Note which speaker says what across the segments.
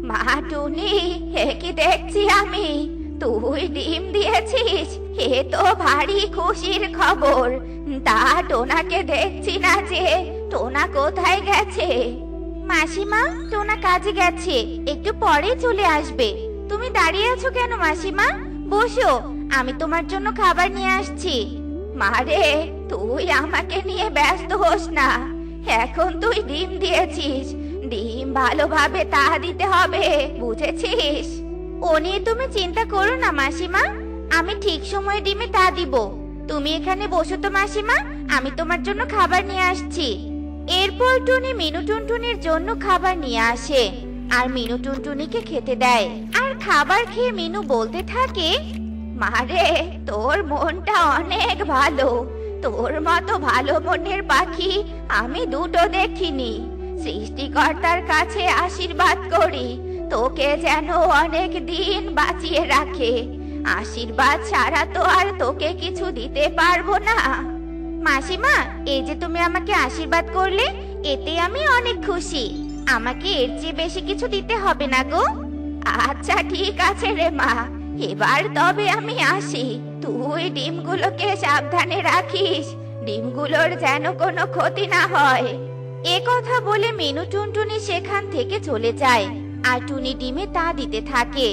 Speaker 1: মা টুনি, এ কি দেখছি আমি? তুই ডিম দিয়েছিস? এ তো ভারী খুশির খবর। তা টোনাকে দেখছি না যে, টোনা কোথায় গেছে? মাসিমা, টোনা কাজে গেছে, একটু পরে চলে আসবে। তুমি দাঁড়িয়ে আছো কেন মাসিমা? বসো, আমি তোমার জন্য খাবার নিয়ে আসছি। মারে, তুই আমাকে নিয়ে ব্যস্ত হোস না। এখন তুই ডিম দিয়েছিস, ডিম ভালোভাবে তা দিতে হবে, বুঝেছিস? ও নিয়ে তুমি চিন্তা করো না মাসিমা, আমি ঠিক সময়ে ডিমে তা দিব। তুমি এখানে বসো তো মাসিমা, আমি তোমার জন্য খাবার নিয়ে আসছি। এরপর টুনি মিনু টুনটুনির জন্য খাবার নিয়ে আসে আর মিনু টুনটুনিকে খেতে দেয়। আর খাবার খেয়ে মিনু বলতে থাকে, মারে, তোর মনটা অনেক ভালো। তোর মতো ভালো মনের পাখি আমি দুটো দেখিনি। সৃষ্টিকর্তার কাছে আশীর্বাদ করি, তোকে যেন অনেক দিন বাঁচিয়ে রাখে। আশীর্বাদ ছাড়া তো আর তোকে কিছু দিতে পারবো না। মাসিমা, এই যে তুমি আমাকে আশীর্বাদ করলে, এতে আমি অনেক খুশি। আমাকে এর চেয়ে বেশি কিছু দিতে হবে না গো। আচ্ছা ঠিক আছে রে মা, এবার তবে আমি আসি। তুই ডিমগুলোকে সাবধানে রাখিস, ডিমগুলোর যেন কোনো ক্ষতি না হয়। এ কথা বলে মিনু টুনটুনি সেখান থেকে চলে যায় আর টুনি ডিমে তা দিতে থাকে।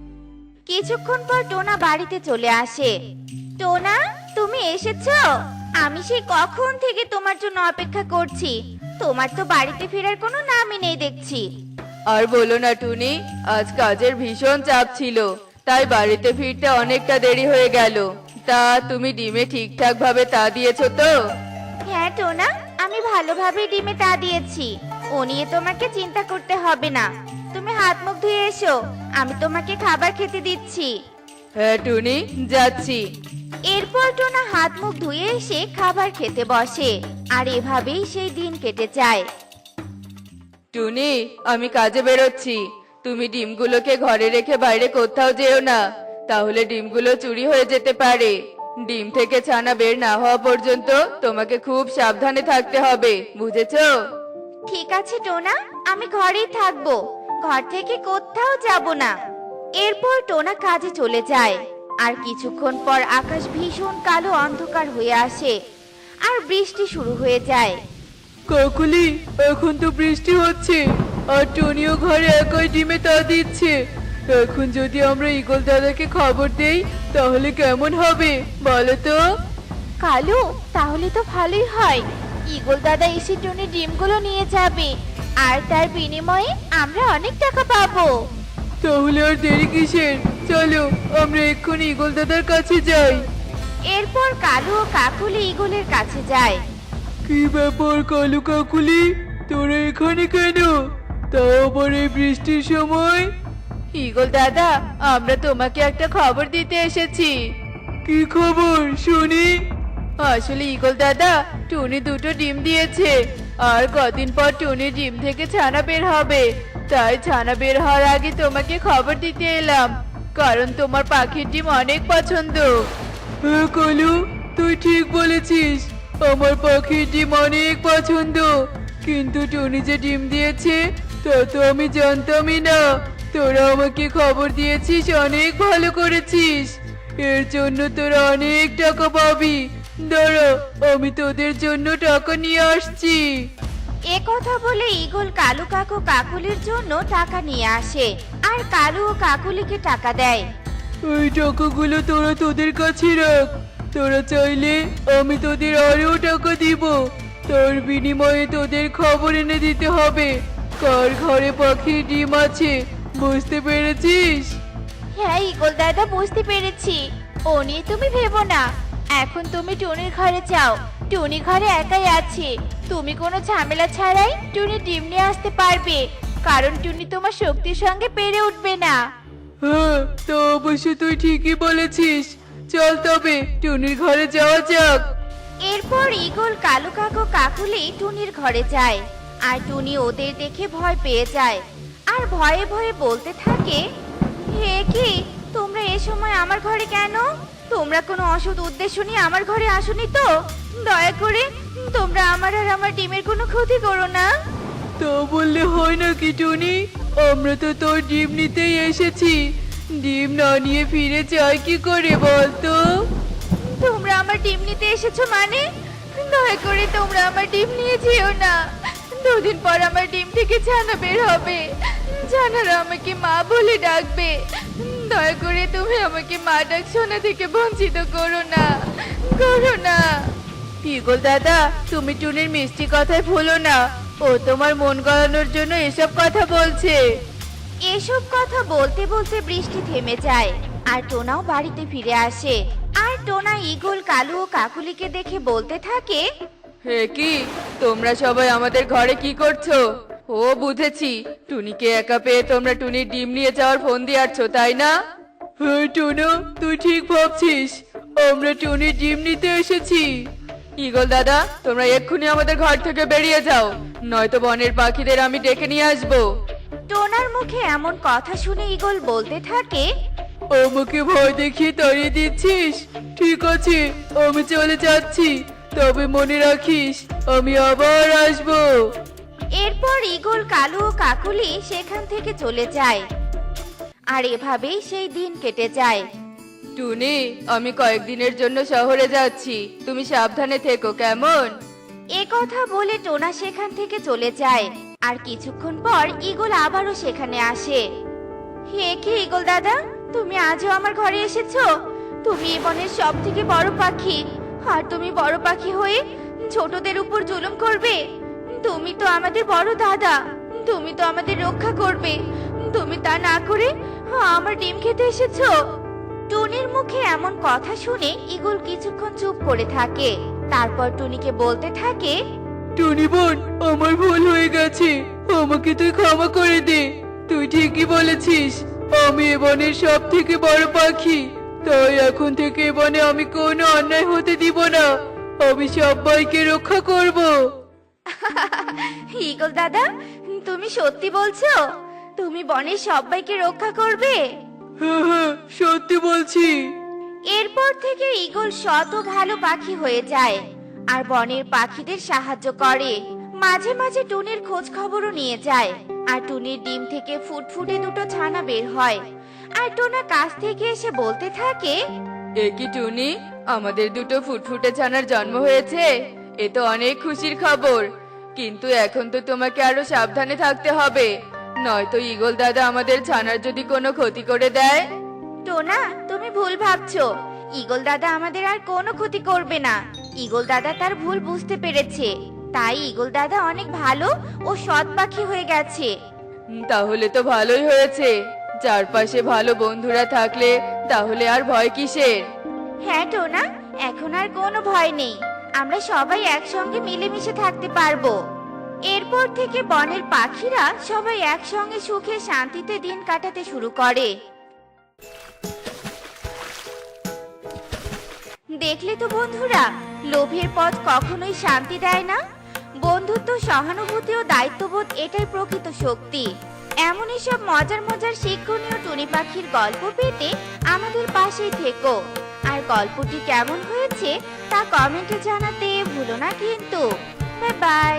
Speaker 1: কিছুক্ষণ পর টোনা বাড়িতে চলে আসে। টোনা, তুমি এসেছো? আমি সেই কখন থেকে তোমার জন্য অপেক্ষা করছি। তোমার তো বাড়িতে ফেরার কোনো নামই নেই দেখছি।
Speaker 2: আর বলো না টুনি, আজ কাজের ভীষণ চাপ ছিল, তাই বাড়িতে ফিরতে অনেকটা দেরি হয়ে গেল। তা তুমি ডিমে ঠিকঠাক ভাবে তা দিয়েছো তো?
Speaker 1: হ্যাঁ টোনা, আমি ভালোভাবে ডিমে তা দিয়েছি। ও নিয়ে তোমাকে চিন্তা করতে হবে না। তুমি হাত মুখ ধুয়ে এসো, আমি তোমাকে খাবার খেতে দিচ্ছি।
Speaker 2: হ্যাঁ টুনি, যাচ্ছি।
Speaker 1: এরপর টোনা হাত মুখ ধুয়ে এসে খাবার খেতে বসে আর এভাবেই সেই দিন কেটে যায়।
Speaker 2: টুনি, আমি কাজে বেরোচ্ছি। তুমি ডিমগুলোকে ঘরে রেখে বাইরে কোথাও যেও না, তাহলে ডিমগুলো চুরি হয়ে যেতে পারে। ডিম থেকে ছানা বের না হওয়া পর্যন্ত তোমাকে খুব সাবধানে থাকতে হবে, বুঝেছো?
Speaker 1: ঠিক আছে টোনা, আমি ঘরেই থাকবো, ঘর থেকে কোথাও যাব না। এরপর টোনা কাজে চলে যায় আর কিছুক্ষণ পর আকাশ ভীষণ কালো অন্ধকার হয়ে আসে আর বৃষ্টি শুরু হয়ে যায়।
Speaker 2: কাকুলি, এখন তো বৃষ্টি হচ্ছে আর টনিও ঘরে একাই ডিমে তা দিচ্ছে। এখন যদি আমরা ঈগল দাদাকে খবর দেই তাহলে কেমন হবে বলো তো?
Speaker 1: কালু, তাহলে তো ভালোই হয়। ঈগল দাদা এসে টুনির ডিমগুলো নিয়ে যাবে আর তার বিনিময়ে আমরা অনেক টাকা পাবো।
Speaker 2: তাহলে আর দেরি কিসের? চলো আমরা এক্ষুনি ঈগল দাদার কাছে যাই।
Speaker 1: এরপর কালু ও কাকুলি ঈগলের কাছে যায়।
Speaker 2: কি ব্যাপার কালু কাকুলি, তোরা এখানে কেন? তাও আবার এই বৃষ্টির সময়? ঈগল দাদা, আমরা তোমাকে একটা খবর দিতে এসেছি। কি খবর শুনি? আসলে ঈগল দাদা, টুনি দুটো ডিম দিয়েছে আর কদিন পর টুনির ডিম থেকে ছানা বের হবে। তাই ছানা বের হওয়ার আগে তোমাকে খবর দিতে এলাম, কারণ তোমার পাখির ডিম অনেক পছন্দ। হ্যাঁ কালু, তুই ঠিক বলেছিস, আমার পাখির ডিম অনেক পছন্দ। কিন্তু টুনি যে ডিম দিয়েছে তা তো আমি জানতামই না। তোরা আমাকে খবর দিয়েছিস, অনেক ভালো করেছিস। এর জন্য তোরা অনেক টাকা পাবি। দাঁড়া, আমি তোদের জন্য টাকা নিয়ে আসছি।
Speaker 1: এ কথা বলে ঈগল কালু কাকু কাকুলির জন্য টাকা নিয়ে আসে আর কালু ও কাকুলিকে টাকা দেয়।
Speaker 2: এই টাকাগুলো তোরা তোদের কাছে রাখ। তোরা চাইলে আমি তোদের আরো টাকা দিব। তোর বিনিময়ে তোদের খবর এনে দিতে হবে কার ঘরে পাখির ডিম আছে, বুঝতে পেরেছিস?
Speaker 1: হ্যাঁ ঈগল দাদা, বুঝতে পেরেছি। ও নিয়ে তুমি ভেবো না। এখন তুমি টুনির ঘরে যাও, টুনি ঘরে একাই আছে। তুমি কোনো ঝামেলা ছাড়াই টুনি ডিম নিয়ে আসতে পারবে, কারণ টুনি তোমার শক্তির সঙ্গে পেরে উঠবে না।
Speaker 2: হ্যাঁ, তো অবশ্য তুই ঠিকই বলেছিস। চল তবে টুনির ঘরে যাওয়া যাক।
Speaker 1: এরপর ঈগল কালু কাকু কাকুলি টুনির ঘরে যায় আর টুনি ওদের দেখে ভয় পেয়ে যায় আর ভয়ে ভয়ে বলতে থাকে, হে কি, তোমরা এ সময় আমার ঘরে কেন? তোমরা কোনো অসৎ উদ্দেশ্য নিয়ে আমার ঘরে আসোনি তো? দয়া করে তোমরা আমার আর আমার ডিমের কোনো ক্ষতি করো না।
Speaker 2: তা বললে হয় নাকি টুনি? আমরা তো তোর ডিম নিতেই এসেছি। ডিম না নিয়ে ফিরে যাই কি করে বলতো?
Speaker 1: তোমরা আমার ডিম নিতে এসেছো মানে? দয়া করে তোমরা আমার ডিম নিয়ে যেও না। দুদিন পর আমার ডিম থেকে ছানা বের হবে। ছানারা আমাকে মা বলে ডাকবে। দয়া করে তুমি আমাকে মা ডাক শোনা থেকে বঞ্চিত করো না, করো না।
Speaker 2: ইগল দাদা, তুমি টুনির মিষ্টি কথায় ভুলো না। ও তোমার মন গলানোর জন্য এসব কথা বলছে।
Speaker 1: এসব কথা বলতে বলতে বৃষ্টি থেমে যায় আর টোনাও বাড়িতে ফিরে আসে। আর টোনা ঈগল, কালু ও কাকুলিকে দেখে বলতে থাকে,
Speaker 2: হে কি, তোমরা সবাই আমাদের ঘরে কি করছো? ও বুঝেছি, টুনিকে একা পেয়ে তোমরা টুনির ডিম নিয়ে যাওয়ার ফোন দিয়ে আসছো, তাই না? হ্যাঁ টুনু, তুই ঠিক ভাবছিস। আমরা টুনির ডিম নিতে এসেছি। ঈগল দাদা, তোমরা এক্ষুনি আমাদের ঘর থেকে বেরিয়ে যাও, নয়তো বনের পাখিদের আমি ডেকে নিয়ে আসবো।
Speaker 1: টোনার মুখে এমন কথা শুনে ঈগল বলতে থাকে,
Speaker 2: আমাকে ভয় দেখিয়ে তাড়িয়ে দিচ্ছিস? ঠিক আছে, আমি চলে যাচ্ছি, তবে মনে রাখিস আমি আবার আসবো।
Speaker 1: এরপর ঈগল, কালু ও কাকুলি সেখান থেকে চলে যায়। আর এভাবেই সেই দিন কেটে যায়।
Speaker 2: টুনি, আমি কয়েকদিনের জন্য শহরে যাচ্ছি, তুমি সাবধানে থেকো, কেমন?
Speaker 1: এ কথা বলে টোনা সেখান থেকে চলে যায়। আর কিছুক্ষণ পর ঈগল আবারও সেখানে আসে। হে কি ঈগল দাদা, তুমি আজও আমার ঘরে এসেছো? তুমি এ বনের সব থেকে বড় পাখি, আর তুমি বড় পাখি হয়ে ছোটদের উপর জুলুম করবে? তুমি তো আমাদের বড় দাদা, তুমি তো আমাদের রক্ষা করবে। তুমি তা না করে আমার ডিম খেতে এসেছো। টুনির মুখে এমন কথা শুনে ঈগল কিছুক্ষণ চুপ করে থাকে। তারপর টুনিকে বলতে থাকে,
Speaker 2: টুনি বোন, আমার ভুল হয়ে গেছে, আমাকে তুই ক্ষমা করে দে। তুই ঠিকই বলেছিস, আমি এ বনের সব থেকে বড় পাখি, তাই এখন থেকে এ বনে আমি কোনো অন্যায় হতে দিব না। আমি সবাইকে রক্ষা করব।
Speaker 1: ঈগল দাদা, তুমি সত্যি বলছো? তুমি বনের সবাইকে রক্ষা করবে?
Speaker 2: হ্যাঁ হ্যাঁ, সত্যি বলছি।
Speaker 1: এরপর থেকে ঈগল শত ভালো পাখি হয়ে যায় আর বনের পাখিদের সাহায্য করে। মাঝে মাঝে টুনির খোঁজ খবরও নিয়ে যায়। আর টুনির ডিম থেকে ফুটফুটে দুটো ছানা বের হয়। আর টোনা কাছ থেকে এসে বলতে থাকে,
Speaker 2: এ কি টুনি, আমাদের দুটো ফুটফুটে ছানার জন্ম হয়েছে? এ তো অনেক খুশির খবর, কিন্তু এখন তো তোমাকে আরো সাবধানে থাকতে হবে, নয়তো ঈগল দাদা আমাদের ছানার যদি কোনো ক্ষতি করে দেয়।
Speaker 1: টোনা, তুমি ভুল ভাবছো। ঈগল দাদা আমাদের আর কোনো ক্ষতি করবে না। ঈগল দাদা তার ভুল বুঝতে পেরেছে, তাই ঈগল দাদা অনেক ভালো ও সৎ পাখি হয়ে গেছে।
Speaker 2: তাহলে তো ভালোই হয়েছে, চারপাশে ভালো বন্ধুরা থাকলে তাহলে আর ভয় কিসের?
Speaker 1: হ্যাঁ টোনা, এখন আর কোনো ভয় নেই। আমরা সবাই একসঙ্গে মিলেমিশে থাকতে পারবো। এরপর থেকে বনের পাখিরা সবাই একসঙ্গে সুখে শান্তিতে দিন কাটাতে শুরু করে। দেখলে তো বন্ধুরা, লোভের পথ কখনোই শান্তি দেয় না। বন্ধুত্ব, সহানুভূতি ও দায়িত্ববোধ এটাই প্রকৃত শক্তি। এমনই সব মজার মজার শিক্ষণীয় টুনি পাখির গল্প পেতে আমাদের পাশেই থেকো। আর গল্পটি কেমন হয়েছে তা কমেন্টে জানাতে ভুলো না কিন্তু। Bye bye.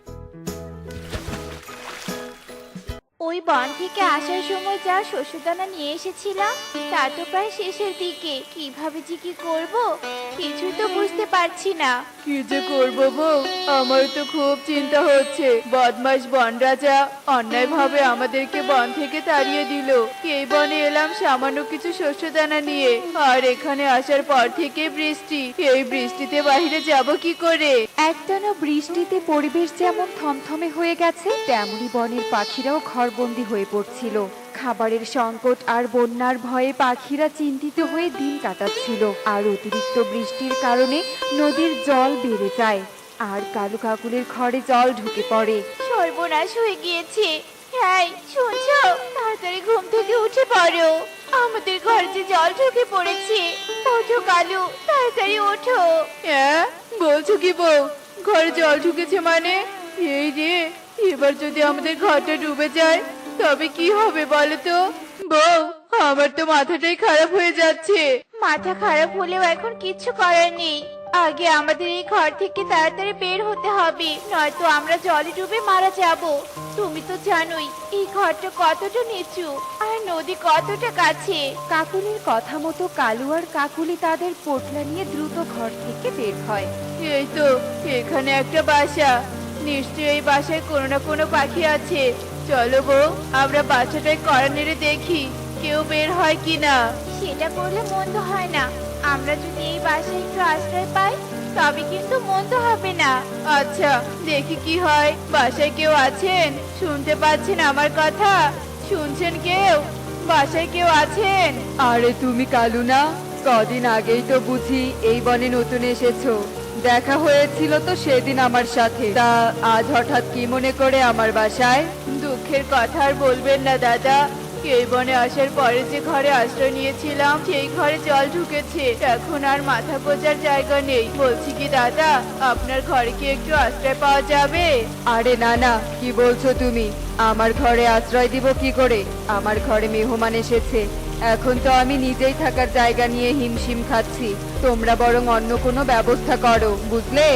Speaker 1: ওই বন থেকে আসার সময় যা শস্যদানা নিয়ে এসেছিলাম তা তো প্রায় শেষের দিকে। কিভাবে যে কি করব কিছুই তো বুঝতে পারছি না।
Speaker 2: কি যে করবো বউ, আমার তো খুব চিন্তা হচ্ছে। বদমাশ বন রাজা অন্যায়ভাবে আমাদেরকে বন থেকে তাড়িয়ে দিল। এই বনে এলাম সামান্য কিছু শস্যদানা নিয়ে, আর এখানে আসার পর থেকে বৃষ্টি। এই বৃষ্টিতে বাইরে যাব কি করে?
Speaker 3: একটানা বৃষ্টিতে পরিবেশ যেমন থমথমে হয়ে গেছে, তেমনি বনের পাখিরাও ঘরবন্দি হয়ে পড়ছিল। খাবারের সংকট আর বন্যার ভয়ে পাখিরা চিন্তিত হয়ে দিন কাটাচ্ছিল। আর অতিরিক্ত বৃষ্টির কারণে নদীর জল বেড়ে যায় আর কালু কাকুলির ঘরে জল ঢুকে পড়ে।
Speaker 1: সর্বনাশ হয়ে গিয়েছে। হ্যাঁ, শুনছো? তাড়াতাড়ি ঘুম থেকে উঠে পড়ো, আমাদের ঘরে যে জল ঢুকে পড়েছে। ওঠো কালু, তাড়াতাড়ি ওঠো।
Speaker 2: হ্যাঁ, বলছো কি বউ? ঘরে জল ঢুকেছে মানে? এই রে, এবার যদি আমাদের ঘরটা ডুবে যায় তবে কি হবে বলো তো? বউ, আমার তো মাথাটাই খারাপ হয়ে যাচ্ছে।
Speaker 1: মাথা খারাপ হলেও এখন কিচ্ছু করার নেই। আগে আমাদের এই ঘর থেকে তাড়াতাড়ি বের হতে হবে, নয়তো আমরা জলে ডুবে মারা যাব। তুমি তো জানোই এই ঘরটা কতটা নিচু আর নদী কতটা কাছে।
Speaker 3: কাকুলির কথা মতো কালু আর কাকুলি তাদের পোটলা নিয়ে দ্রুত ঘর থেকে বের হয়।
Speaker 2: এই তো এখানে একটা বাসা, নিশ্চয়ই এই বাসায় কোনো না কোনো পাখি আছে। চলো বউ, আমরা বাসাটায় কড়া নেড়ে দেখি কেউ বের হয় কিনা।
Speaker 1: সেটা করলে মন্দ হয় না। আমরা যদি এই বাসায় একটু আশ্রয় পাই তবে কিন্তু মন্দ হবে না।
Speaker 2: আচ্ছা, দেখি কি হয়। বাসায় কেউ আছেন? শুনতে পাচ্ছেন আমার কথা? শুনছেন কেউ? বাসায় কেউ আছেন?
Speaker 3: আরে তুমি কালু না? কদিন আগেই তো বুঝি এই বনে নতুন এসেছো। দেখা হয়েছিল তো সেদিন আমার সাথে। তা আজ হঠাৎ কি মনে করে আমার বাসায়?
Speaker 2: দুঃখের কথা আর বলবেন না দাদা। এই বনে আসার পরে যে ঘরে আশ্রয় নিয়েছিলাম সেই ঘরে জল ঢুকেছে, এখন আর মাথা গোজার জায়গা নেই। বলছি কি দাদা, আপনার ঘরে কি একটু আশ্রয় পাওয়া যাবে?
Speaker 3: আরে না না, কি বলছো তুমি? আমার ঘরে আশ্রয় দিব কি করে? আমার ঘরে মেহমান এসেছে, এখন তো আমি নিজেই থাকার জায়গা নিয়ে হিমশিম খাচ্ছি। তোমরা বরং অন্য কোনো ব্যবস্থা করো, বুঝলে?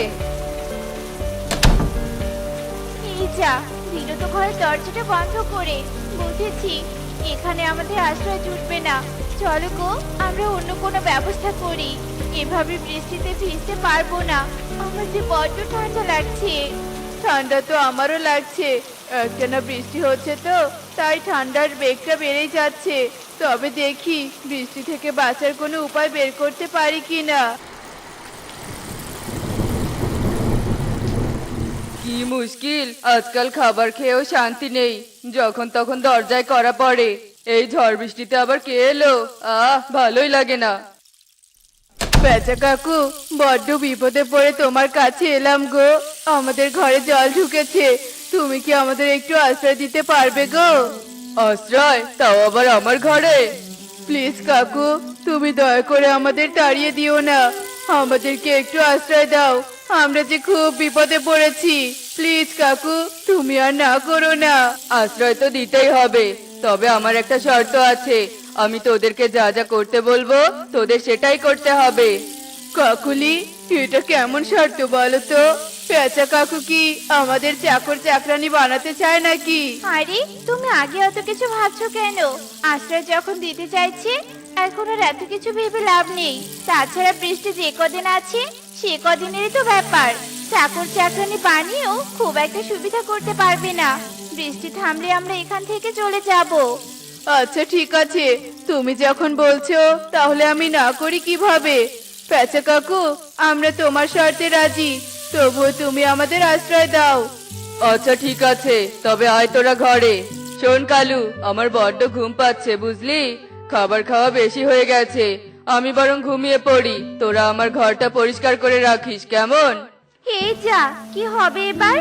Speaker 1: এই যা, দিল তো ঘরের দরজাটা বন্ধ করে। বুঝেছি, এখানে আমাদের আশ্রয় জুটবে না। চলো গো, আমরা অন্য কোনো ব্যবস্থা করি। এভাবে বৃষ্টিতে ভিজতে পারবো না। আমার যে বড্ড ঠান্ডা লাগছে।
Speaker 2: ঠান্ডা তো আমারও লাগছে। একটানা বৃষ্টি হচ্ছে তো, তাই ঠান্ডার বেগটা বেড়েই যাচ্ছে। তবে দেখি বৃষ্টি থেকে বাঁচার কোনো উপায় বের করতে পারি কিনা। কি মুশকিল, আজকাল খাবার খেয়েও শান্তি নেই, যখন তখন দরজায় কড়া পড়ে। এই ঝড় বৃষ্টিতে আবার কে এলো? ভালোই লাগে না। বেচা কাকু, বড্ড বিপদে পড়ে তোমার কাছে এলাম গো। আমাদের ঘরে জল ঢুকেছে, তুমি কি আমাদের একটু আশ্রয় দিতে পারবে গো? আশ্রয়? তাও আবার আমার ঘরে? প্লিজ কাকু, তুমি দয়া করে আমাদের তাড়িয়ে দিও না। আমাদেরকে একটু আশ্রয় দাও, আমরা যে খুব বিপদে পড়েছি। প্লিজ কাকু, তুমি আর না করো না। আশ্রয় তো দিতেই হবে, তবে আমার একটা শর্ত আছে। আমি তোদেরকে যা যা করতে বলবো তোদের সেটাই করতে হবে। কাকুলি, এটা কেমন শর্ত বলো তো? পেঁচা কাকু কি আমাদের চাকর চাকরানি বানাতে চায় নাকি?
Speaker 1: আরে, তুমি আগে অত কিছু ভাবছো কেন? আশ্রয় যখন দিতে চাইছে, এখন আর এত কিছু ভেবে লাভ নেই। তাছাড়া বৃষ্টি যে কদিন আছে সে কদিনেরই তো ব্যাপার। চাকর চাকরানি বানিয়েও খুব একটা সুবিধা করতে পারবে না। বৃষ্টি থামলে আমরা এখান থেকে চলে যাব।
Speaker 2: আচ্ছা ঠিক আছে, তুমি যখন বলছো তাহলে আমি না করি কিভাবে? পেঁচা কাকু, আমরা তোমার শর্তে রাজি, তবুও তুমি আমাদের আশ্রয় দাও। আচ্ছা ঠিক আছে, তবে আয় তোরা ঘরে। শোন কালু, আমার বড্ড ঘুম পাচ্ছে বুঝলি, খাবার খাওয়া বেশি হয়ে গেছে। আমি বরং ঘুমিয়ে পড়ি, তোরা আমার ঘরটা পরিষ্কার করে রাখিস, কেমন?
Speaker 1: এই যা, কি হবে এবার?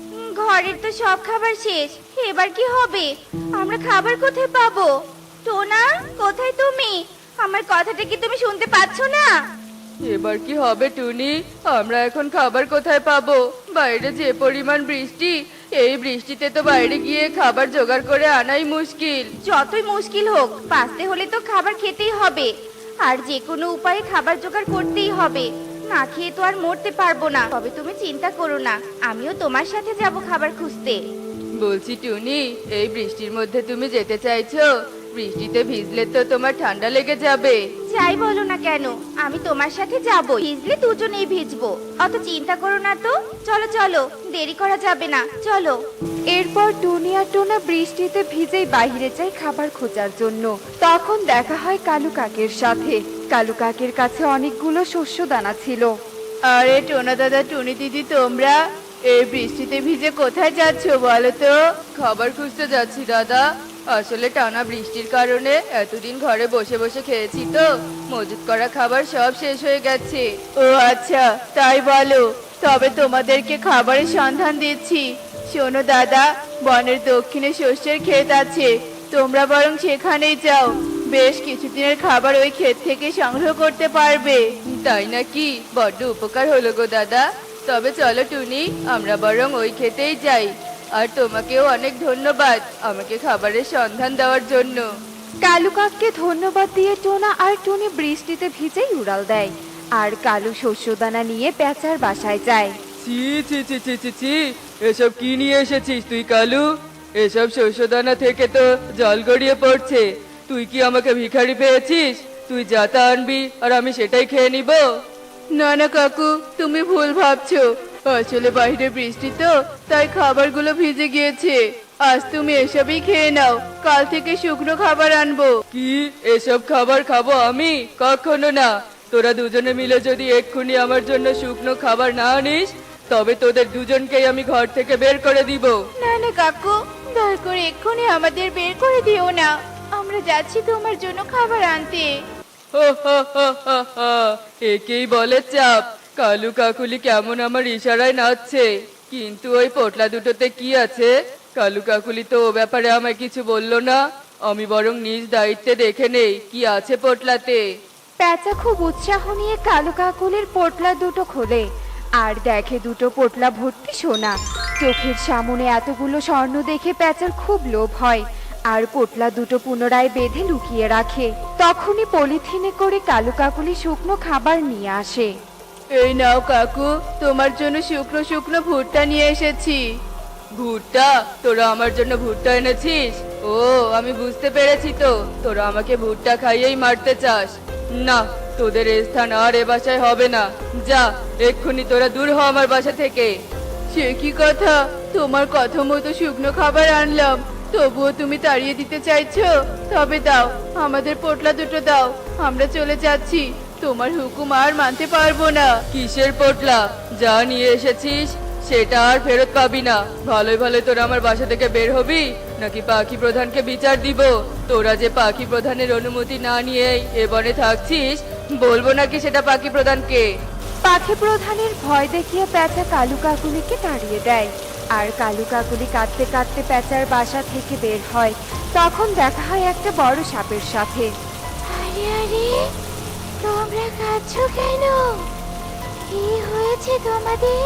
Speaker 1: ঘরের তো সব খাবার শেষ, এবার কি হবে? আমরা খাবার কোথায় পাবো? টোনা, কোথায় তুমি? আমার কথাটা কি তুমি শুনতে পাচ্ছ না?
Speaker 2: এবার কি হবে টুনি? আমরা এখন খাবার কোথায় পাবো? বাইরে যে পরিমাণ বৃষ্টি, এই বৃষ্টিতে তো বাইরে গিয়ে খাবার জোগাড় করে আনাই মুশকিল।
Speaker 1: যতই মুশকিল হোক, বাঁচতে হলে তো খাবার খেতেই হবে। আর যে কোনো উপায়ে খাবার জোগাড় করতেই হবে। না খেয়ে তো আর মরতে পারবো না। তবে তুমি চিন্তা করো না, আমিও তোমার সাথে যাব খাবার খুঁজতে।
Speaker 2: বলছি টুনি, এই বৃষ্টির মধ্যে তুমি যেতে চাইছো? বৃষ্টিতে ভিজলে তো তোমার ঠান্ডা লেগে যাবে।
Speaker 1: যাই বলো না কেন, আমি তোমার সাথে যাব। ভিজলে দুজনেই ভিজবো, অত চিন্তা করো না তো। চলো চলো, দেরি করা যাবে না, চলো।
Speaker 3: এরপর টুনি আর টোনা বৃষ্টিতে ভিজেই বাইরে যায় খাবার খোঁজার জন্য। তখন দেখা হয় কালু কাকের সাথে। কালু কাকের কাছে অনেকগুলো শস্য দানা ছিল।
Speaker 2: আরে টোনা দাদা, টুনি দিদি, তোমরা এই বৃষ্টিতে ভিজে কোথায় যাচ্ছ বলো তো? খাবার খুঁজতে যাচ্ছি দাদা। আসলে টানা বৃষ্টির কারণে এতদিন ঘরে বসে বসে খেয়েছি তো, মজুত করা খাবার সব শেষ হয়ে গেছে। ও আচ্ছা, তাই বলো। তবে তোমাদেরকে খাবারের সন্ধান দিচ্ছি। শোনো দাদা, বনের দক্ষিণে শস্যের ক্ষেত আছে, তোমরা বরং সেখানেই যাও। বেশ কিছুদিনের খাবার ওই ক্ষেত থেকে সংগ্রহ করতে পারবে। তাই নাকি? বড্ড উপকার হলো গো দাদা। তবে চলো টুনি, আমরা বরং ওই ক্ষেতেই যাই। আর তোমাকেও অনেক ধন্যবাদ আমাকে খাবারের সন্ধান দেওয়ার জন্য।
Speaker 3: কালু কাককে ধন্যবাদ দিয়ে টোনা আর টুনি বৃষ্টিতে ভিজেই উড়াল দেয়। আর কালু শস্যদানা নিয়ে পেঁচার বাসায় যায়।
Speaker 2: ছি ছি ছি ছি ছি ছি, এসব কি নিয়ে এসেছিস তুই কালু? এসব শস্যদানা থেকে তো জল গড়িয়ে পড়ছে। তুই কি আমাকে ভিখারি পেয়েছিস? তুই যা তা আনবি আর আমি সেটাই খেয়ে নিব? না না কাকু, তুমি ভুল ভাবছো। আসলে বাইরে বৃষ্টি তো, তাই খাবারগুলো ভিজে গিয়েছে। আজ তুমি এসবই খেয়ে নাও, কাল থেকে শুকনো খাবার আনবো। কি এসব খাবার খাবো আমি? কখনো না। তোরা দুজনে মিলে যদি এক্ষুনি আমার জন্য শুকনো খাবার না আনিস, তবে তোদের দুজনকেই আমি ঘর থেকে বের করে দিব।
Speaker 1: না না কাকু, দয়া করে এক্ষুনি আমাদের বের করে দিও না। আমরা যাচ্ছি তোমার জন্য খাবার আনতে।
Speaker 2: হো হো হো হো হো, একেই বলে চাপ। কালু কাকুলি কেমন আমার ইশারায় নাচছে, কিন্তু ওই পোটলা দুটোতে কি আছে? কালু কাকুলি তো ও ব্যাপারে আমায় কিছু বললো না। আমি বরং নিজ দায়িত্বে দেখে নেই কি আছে পোটলাতে।
Speaker 3: পেঁচা খুব উৎসাহ নিয়ে কালু কাকুলির পোটলা দুটো খোলে আর দেখে দুটো পোটলা ভর্তি সোনা। চোখের সামনে এতগুলো স্বর্ণ দেখে পেঁচার খুব লোভ হয় আর পোটলা দুটো পুনরায় বেঁধে লুকিয়ে রাখে। তখনই পলিথিনে করে কালু কাকুলি শুকনো খাবার নিয়ে আসে।
Speaker 2: এই নাও কাকু, তোমার জন্য শুকনো শুকনো ভুট্টা নিয়ে এসেছি। ভুট্টা? তোরা আমার জন্য ভুট্টা এনেছিস? ও, আমি বুঝতে পেরেছি তো, তোরা আমাকে ভুট্টা খাইয়েই মারতে চাস। না, তোদের এ স্থান আর এ বাসায় হবে না। যা, এক্ষুনি তোরা দূর হ আমার বাসা থেকে। সে কি কথা? তোমার কথা মতো শুকনো খাবার আনলাম, তবুও তুমি তাড়িয়ে দিতে চাইছো? তবে দাও, আমাদের পোটলা দুটো দাও, আমরা চলে যাচ্ছি। তোমার হুকুম আর মানতে পারবো না। কিসের পোটলা? যা নিয়ে এসেছিস সেটা আর ফেরত পাবি না। ভালোই ভালোই তোরা আমার বাসা থেকে বের হবি, নাকি পাখি প্রধানকে বিচার দিব? তোরা যে পাখি প্রধানের অনুমতি না নিয়েই এ বনে থাকছিস, বলবো নাকি সেটা পাখি প্রধানকে?
Speaker 3: পাখি প্রধানের ভয় দেখিয়ে পেঁচা কালু কাকুলিকে তাড়িয়ে দেয় আর কালু কাকুলি কাঁদতে কাঁদতে পেঁচার বাসা থেকে বের হয়। তখন দেখা হয় একটা বড় সাপের সাথে।
Speaker 1: আরে আরে, তোমরা কাঁদছো কেন? কি হয়েছে তোমাদের?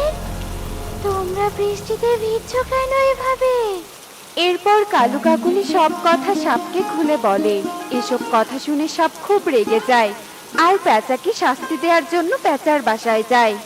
Speaker 1: তোমরা বৃষ্টিতে ভিজছো কেন এভাবে?
Speaker 3: এরপর কালু কাকুলি সব কথা সাপকে খুলে বলে। এসব কথা শুনে সাপ খুব রেগে যায় আর পেঁচাকে শাস্তি দেওয়ার জন্য পেঁচার বাসায় যায়।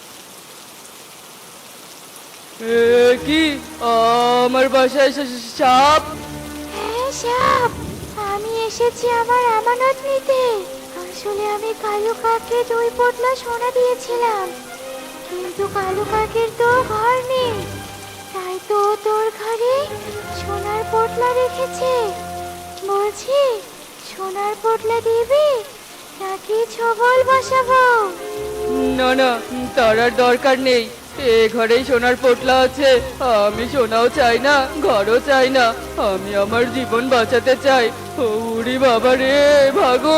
Speaker 2: কি আমার বাসায় সাপ?
Speaker 1: হ্যাঁ সাপ, আমি এসেছি আমার আমানত নিতে। আসলে আমি কালু কাকে 2 পোটলা সোনা দিয়েছিলাম, কিন্তু কালু কাকের তো ঘর নেই, তাই তো তোর ঘরে সোনার পোটলা রেখেছে। বলছি, সোনার পোটলা দিবি নাকি ছবল বসাবো?
Speaker 2: না না, তার আর দরকার নেই। এ ঘরেই সোনার পোটলা আছে। আমি সোনাও চাই না, ঘরও চাই না। আমি আমার জীবন বাঁচাতে চাই। উড়ি বাবা রে, ভাগো!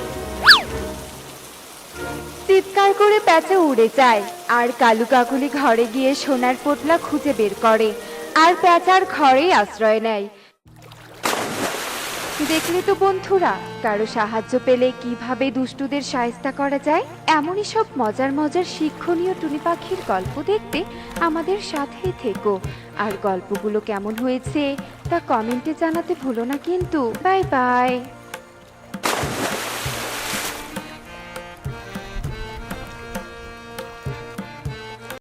Speaker 3: চিৎকার করে পেঁচা উড়ে যায় আর কালু কাকুলি ঘরে গিয়ে সোনার পোটলা খুঁজে বের করে আর পেঁচার ঘরেই আশ্রয় নেয়। দেখলে তো বন্ধুরা, কারো সাহায্য পেলে কিভাবে দুষ্টুদের শায়েস্তা করা যায়। এমনই সব মজার মজার শিক্ষণীয় টুনি পাখির গল্প দেখতে আমাদের সাথেই থেকো। আর গল্পগুলো কেমন হয়েছে তা কমেন্টে জানাতে ভুলো না কিন্তু। Bye by.